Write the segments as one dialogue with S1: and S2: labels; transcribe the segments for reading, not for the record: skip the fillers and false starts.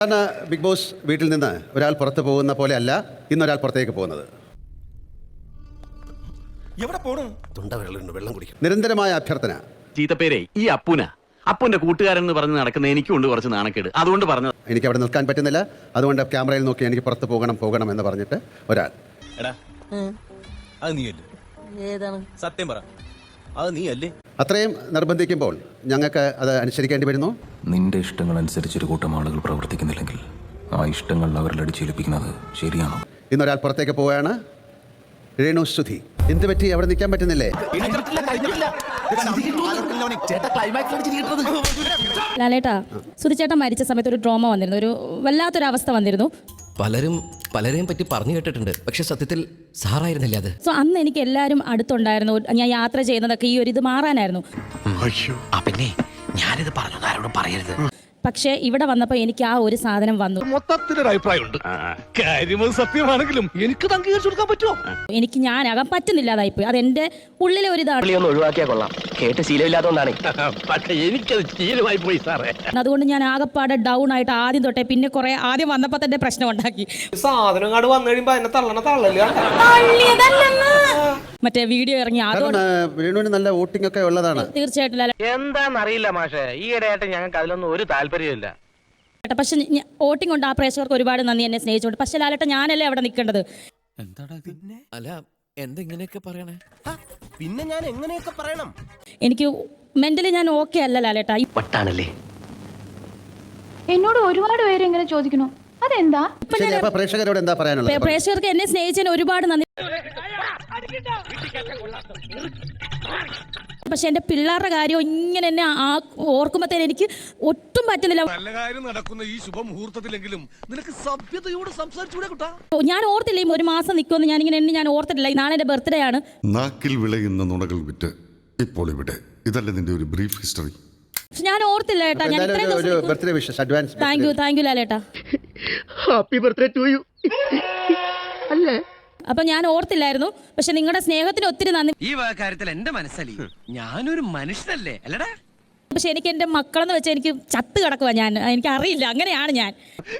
S1: Big boss വീട്ടിൽ നിന്ന് ഒരാൾ പുറത്തു പോകുന്ന പോലെ അല്ല ഇന്നൊരാൾ പുറത്തേക്ക് പോകുന്നത്. നിരന്തരമായ അഭ്യർത്ഥന.
S2: ചീത്തപ്പേരെ ഈ അപ്പുന്റെ കൂട്ടുകാരൻ എന്ന് പറഞ്ഞ് നടക്കുന്ന എനിക്കുണ്ട് കുറച്ച് നാണക്കേട്, അതുകൊണ്ട് പറഞ്ഞത്.
S1: എനിക്ക് അവിടെ നിൽക്കാൻ പറ്റുന്നില്ല, അതുകൊണ്ട് ക്യാമറയിൽ നോക്കി എനിക്ക് പുറത്ത് പോകണം എന്ന് പറഞ്ഞിട്ട് ഒരാൾ.
S3: സത്യം പറ, അത് നീ അല്ലേ?
S1: അത്രയും നിർബന്ധിക്കുമ്പോൾ ഞങ്ങൾക്ക് അത് അനുസരിക്കേണ്ടി വരുന്നു.
S4: നിന്റെ ഇഷ്ടങ്ങൾ അനുസരിച്ചൊരു കൂട്ടം ആളുകൾ പ്രവർത്തിക്കുന്നില്ലെങ്കിൽ ആ ഇഷ്ടങ്ങൾ അവരിൽ അടിച്ചേൽപ്പിക്കുന്നത് ശരിയാണോ?
S1: ഇന്നൊരാൾ പുറത്തേക്ക് പോവുകയാണ്. രേണു സുധി. എന്ത് പറ്റി? അവിടെ നിൽക്കാൻ പറ്റുന്നില്ലേ?
S5: ലാലേട്ടാ, സുധിച്ചേട്ടൻ മരിച്ച സമയത്ത് ഒരു ട്രോമ വന്നിരുന്നു, ഒരു വല്ലാത്തൊരവസ്ഥ വന്നിരുന്നു.
S6: പലരെയും പറ്റി പറഞ്ഞു കേട്ടിട്ടുണ്ട്, പക്ഷെ സത്യത്തിൽ സാറായിരുന്നില്ല അത്.
S5: സോ അന്ന് എനിക്ക് എല്ലാവരും അടുത്തുണ്ടായിരുന്നു. ഞാൻ യാത്ര ചെയ്യുന്നതൊക്കെ ഈ ഒരു ഇത് മാറാനായിരുന്നു.
S6: പിന്നെ ഞാനിത് പറഞ്ഞു ആരോടും പറയരുത്.
S5: പക്ഷേ ഇവിടെ വന്നപ്പോൾ എനിക്ക് ആ ഒരു സാധനം വന്നു.
S7: മൊത്തത്തിലൊരു അഭിപ്രായമുണ്ട്. കാര്യം സത്യമാണെങ്കിലും എനിക്ക് അംഗീകരിച്ചു കൊടുക്കാൻ പറ്റുമോ?
S5: എനിക്ക് ഞാനാകാൻ പറ്റുന്നില്ലാതായിപ്പോയി. അത് എന്റെ ഉള്ളിലെ ഒരു ഇതാണ്.
S6: ഒഴിവാക്കിയാ കൊള്ളാം, കേട്ട് ശീലമില്ലാത്തതുകൊണ്ടാണ്.
S7: പക്ഷെ എനിക്കത് ശീലമായി പോയി സാറേ.
S5: അതുകൊണ്ട് ഞാൻ ആകെപ്പാടെ ഡൗൺ ആയിട്ട് ആദ്യം തൊട്ടേ പിന്നെ കുറെ ആദ്യം വന്നപ്പോൾ തന്നെ പ്രശ്നം ഉണ്ടാക്കി.
S8: സാധനം അങ്ങോട്ട് വന്നു കഴിയുമ്പോ അതിനെ തള്ളല്
S5: മറ്റേ വീഡിയോ ഇറങ്ങി.
S1: രേണുവിന് നല്ല വോട്ടിംഗ് ഒക്കെ ഉള്ളതാണ്.
S5: തീർച്ചയായിട്ടും
S8: എന്താന്നറിയില്ല മാഷെ, ഈ ഇടയായിട്ട് ഞങ്ങൾക്ക് അതിലൊന്നും ഒരു താല്പര്യമില്ല.
S5: പക്ഷെ വോട്ടിംഗ് കൊണ്ട് ആ പ്രേക്ഷകർക്ക് ഒരുപാട് നന്ദി, എന്നെ സ്നേഹിച്ചോണ്ട്. പക്ഷെ ലാലേട്ട ഞാനല്ലേ അവിടെ നിൽക്കേണ്ടത്.
S6: അല്ല, എന്തെങ്ങനെയൊക്കെ പറയണേ?
S3: പിന്നെ ഞാൻ എങ്ങനെയൊക്കെ പറയണം?
S5: എനിക്ക് മെന്റലി ഞാൻ ഓക്കെ അല്ല ലാലേട്ട.
S6: വട്ടാണല്ലേ?
S9: എന്നോട് ഒരുപാട് പേര് ഇങ്ങനെ ചോദിക്കണു, അതെന്താ?
S1: പ്രേക്ഷകരോട് എന്താ പറയാനുള്ളത്?
S5: പ്രേക്ഷകർക്ക് എന്നെ സ്നേഹിച്ചതിന് ഒരുപാട് നന്ദി. പക്ഷെ എന്റെ പിള്ളേരുടെ കാര്യം ഇങ്ങനെ എന്നെ ഓർക്കുമ്പോഴത്തേന് എനിക്ക് ഒട്ടും പറ്റുന്നില്ല.
S7: നല്ല കാര്യം നടക്കുന്ന ഈ ശുഭമുഹൂർത്തത്തിലെങ്കിലും നിനക്ക് സഭ്യതയോട് സംസാരിച്ചുകൂടെ കുട്ടാ?
S5: ഞാൻ ഓർത്തില്ല ഒരു മാസം നിൽക്കുമെന്ന്. ഞാൻ ഓർത്തിട്ടില്ല. നാളെ എന്റെ ബർത്ത്ഡേ ആണ്.
S10: നാക്കിൽ വിളയുന്ന നുണകൾ വിറ്റ് ഇപ്പോൾ ഇവിടെ. ഇതല്ലേ നിന്റെ ഒരു ബ്രീഫ് ഹിസ്റ്ററി?
S5: ഞാൻ ഓർത്തില്ല ഏട്ടാ. ഞാൻ
S1: birthday wishes advance.
S5: Thank you ലാലേട്ടാ.
S8: Happy birthday to you. അല്ലേ?
S5: അപ്പൊ ഞാൻ ഓർത്തില്ലായിരുന്നു. പക്ഷെ നിങ്ങളുടെ സ്നേഹത്തിന് ഒത്തിരി നന്ദി.
S6: ഈ കാര്യത്തിൽ എന്റെ മനസ്സലി, ഞാനൊരു മനുഷ്യനല്ലേ അല്ലടാ.
S5: പക്ഷെ എനിക്ക് എന്റെ മക്കളെന്ന് വെച്ചാൽ എനിക്ക് ചത്ത് കിടക്കുക. എനിക്ക് അറിയില്ല, അങ്ങനെയാണ് ഞാൻ.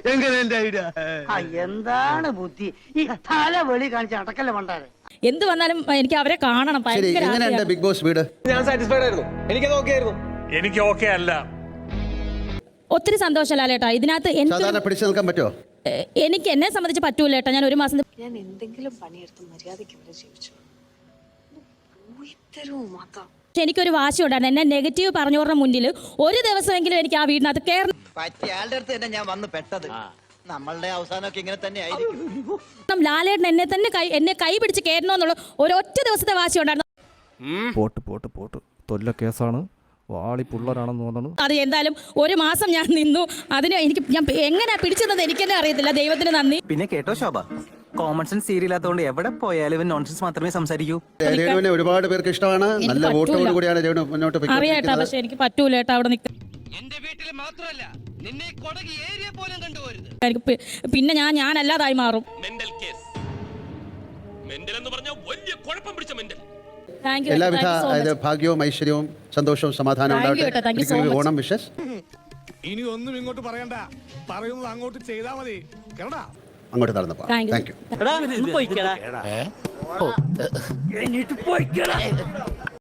S11: എന്താണ് ബുദ്ധി ഈ തല വെളി കാണിച്ച് അടക്കല്ലേ മണ്ടാരെ?
S5: എന്ത് വന്നാലും എനിക്ക് അവരെ കാണണം.
S1: ബിഗ് ബോസ് വീട്
S8: ഞാൻ സാറ്റിസ്ഫൈഡ് ആയിരുന്നു. എനിക്കത് ഓക്കെ ആയിരുന്നു.
S7: എനിക്ക് ഓക്കെ അല്ല.
S5: ഒത്തിരി സന്തോഷം ലാലേട്ടാ. ഇതിനകത്ത്
S1: പിടിച്ചു നിൽക്കാൻ പറ്റുമോ?
S5: എനിക്ക് എന്നെ സംബന്ധിച്ച് പറ്റൂല ഏട്ടാ. ഞാൻ ഒരു മാസം
S9: ഞാൻ എന്തെങ്കിലും പണിയെടുത്ത് മര്യാദയ്ക്ക് ഇവിടെ ജീവിച്ചു.
S5: എനിക്കൊരു വാശി ഉണ്ടായിരുന്നു. എന്നെ നെഗറ്റീവ് പറഞ്ഞവരുടെ മുന്നിൽ ഒരു ദിവസമെങ്കിലും എനിക്ക് ആ വീടിനകത്ത് കയറണം.
S11: പറ്റിയാളുടെ അടുത്ത് തന്നെ ഞാൻ വന്ന് പെട്ടത്. നമ്മളുടെ അവസാനമൊക്കെ ഇങ്ങനെ തന്നെ ആയിരിക്കും.
S5: ലാലേട്ടൻ എന്നെ കൈ പിടിച്ച് കയറണമെന്നുള്ള ഒരൊറ്റ ദിവസത്തെ വാശി ഉണ്ടായിരുന്നു.
S12: പോട്ട് തൊല്ല കേസാണ്. വാളിപ്പുള്ളവരാണെന്ന് തോന്നുന്നു.
S5: അത് എന്തായാലും ഒരു മാസം ഞാൻ നിന്നു. അതിന് ഞാൻ എങ്ങനെയാ പിടിച്ചത് എനിക്ക് തന്നെ അറിയത്തില്ല. ദൈവത്തിന് നന്ദി.
S8: പിന്നെ കേട്ടോ ശോഭ, കോമൺ സെൻസ് സീരിയലാത്തോണ്ട് എവിടെ പോയാലും നോൺസെൻസ് മാത്രമേ സംസാരിക്കൂ.
S1: രേണുവിനെ ഒരുപാട് പേർക്ക് ഇഷ്ടമാണ്. നല്ല വോട്ടോട് കൂടിയാണ് രേണു മുന്നോട്ട്
S5: അറിയാട്ടാ. പക്ഷെ എനിക്ക് പറ്റൂല ഏട്ടാ അവിടെ നിൽക്കാൻ.
S6: എന്റെ വീട്ടിൽ മാത്രമല്ല, നിന്നെ കൊടകി ഏരിയ പോലും കണ്ടുപോരുത്.
S5: എനിക്ക് പിന്നെ ഞാനല്ലാതായി മാറും.
S1: എല്ലാവിധ ഭാഗ്യവും ഐശ്വര്യവും സന്തോഷവും സമാധാനവും ഉണ്ടാവട്ടെ. ഓണം വിഷസ്.
S7: ഇനി ഒന്നും ഇങ്ങോട്ട് പറയണ്ട, പറയുന്നത് അങ്ങോട്ട് ചെയ്താൽ മതി.
S1: അങ്ങോട്ട് നടന്നപ്പോ താങ്ക് യു.